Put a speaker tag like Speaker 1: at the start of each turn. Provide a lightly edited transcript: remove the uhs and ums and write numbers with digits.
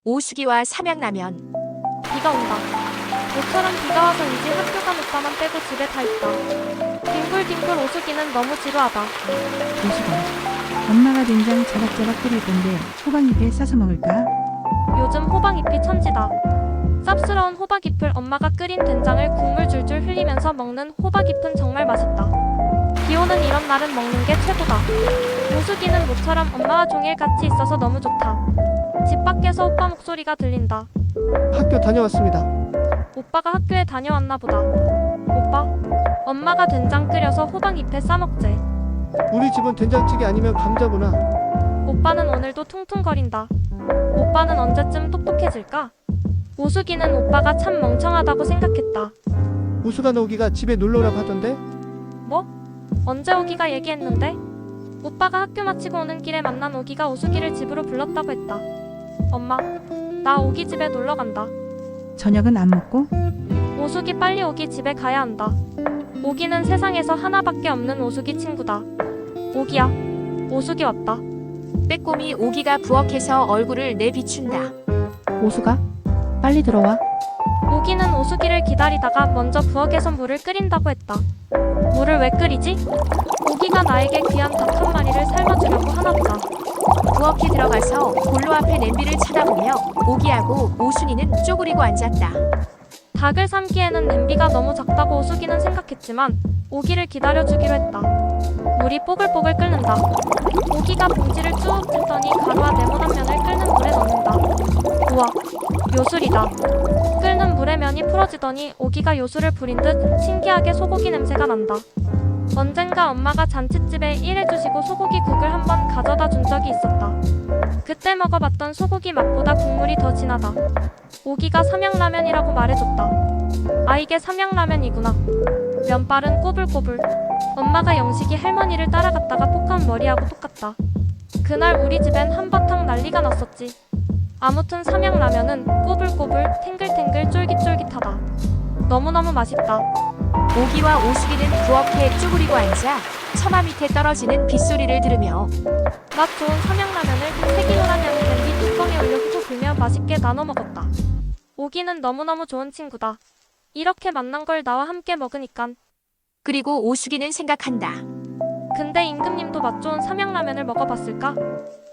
Speaker 1: 오수기와 삼양라면.
Speaker 2: 비가 온다. 모처럼 비가 와서 이제 학교 간 오빠만 빼고 집에 다 있다. 뒹굴뒹굴 오수기는 너무 지루하다.
Speaker 3: 오수가, 엄마가 된장 자박자박 끓일 건데 호박잎에 싸서 먹을까?
Speaker 2: 요즘 호박잎이 천지다. 쌉스러운 호박잎을 엄마가 끓인 된장을 국물 줄줄 흘리면서 먹는 호박잎은 정말 맛있다. 비오는 이런 날은 먹는 게 최고다. 오수기는 모처럼 엄마와 종일 같이 있어서 너무 좋다. 집 밖에서 오빠 목소리가 들린다.
Speaker 4: 학교 다녀왔습니다.
Speaker 2: 오빠가 학교에 다녀왔나 보다. 오빠, 엄마가 된장 끓여서 호박잎에 싸먹재.
Speaker 4: 우리 집은 된장찌개 아니면 감자구나.
Speaker 2: 오빠는 오늘도 퉁퉁거린다. 오빠는 언제쯤 똑똑해질까? 오수기는 오빠가 참 멍청하다고 생각했다.
Speaker 4: 우수가 오기가 집에 놀러오라고 하던데?
Speaker 2: 뭐? 언제 오기가 얘기했는데? 오빠가 학교 마치고 오는 길에 만난 오기가 오수기를 집으로 불렀다고 했다. 엄마, 나 오기 집에 놀러 간다.
Speaker 3: 저녁은 안 먹고?
Speaker 2: 오수기 빨리 오기 집에 가야 한다. 오기는 세상에서 하나밖에 없는 오수기 친구다. 오기야, 오수기 왔다.
Speaker 1: 빼꼼히 오기가 부엌에서 얼굴을 내비춘다.
Speaker 5: 오수가? 빨리 들어와.
Speaker 2: 오기는 오수기를 기다리다가 먼저 부엌에서 물을 끓인다고 했다. 물을 왜 끓이지? 오기가 나에게 귀한 닭 한 마리를 삶아주려고 하나보다.
Speaker 1: 부엌에 들어가서 본로 앞에 냄비를 쳐다보며 오기하고 오순이는 쪼그리고 앉았다.
Speaker 2: 닭을 삶기에는 냄비가 너무 작다고 오수기는 생각했지만 오기를 기다려주기로 했다. 물이 뽀글뽀글 끓는다. 오기가 봉지를 쭉 들더니 가루와 네모난 면을 끓는 물에 넣는다. 우와, 요술이다. 끓는 물에 면이 풀어지더니 오기가 요술을 부린 듯 신기하게 소고기 냄새가 난다. 언젠가 엄마가 잔칫집에 일해주시고 소고기 국을 한번 가져다 준 적이 있었다. 그때 먹어봤던 소고기 맛보다 국물이 더 진하다. 오기가 삼양라면이라고 말해줬다. 아, 이게 삼양라면이구나. 면발은 꼬불꼬불. 엄마가 영식이 할머니를 따라갔다가 폭한 머리하고 똑같다. 그날 우리 집엔 한바탕 난리가 났었지. 아무튼 삼양라면은 꼬불꼬불 탱글탱글 쫄깃쫄깃하다. 너무너무 맛있다.
Speaker 1: 오기와 오수기는 부엌에 쪼그리고 앉아 처마 밑에 떨어지는 빗소리를 들으며
Speaker 2: 맛 좋은 삼양라면을 색이노란 양의 냄비 뚜껑에 올려 후고 불며 맛있게 나눠 먹었다. 오기는 너무너무 좋은 친구다. 이렇게 만난 걸 나와 함께 먹으니깐.
Speaker 1: 그리고 오수기는 생각한다.
Speaker 2: 근데 임금님도 맛 좋은 삼양라면을 먹어봤을까?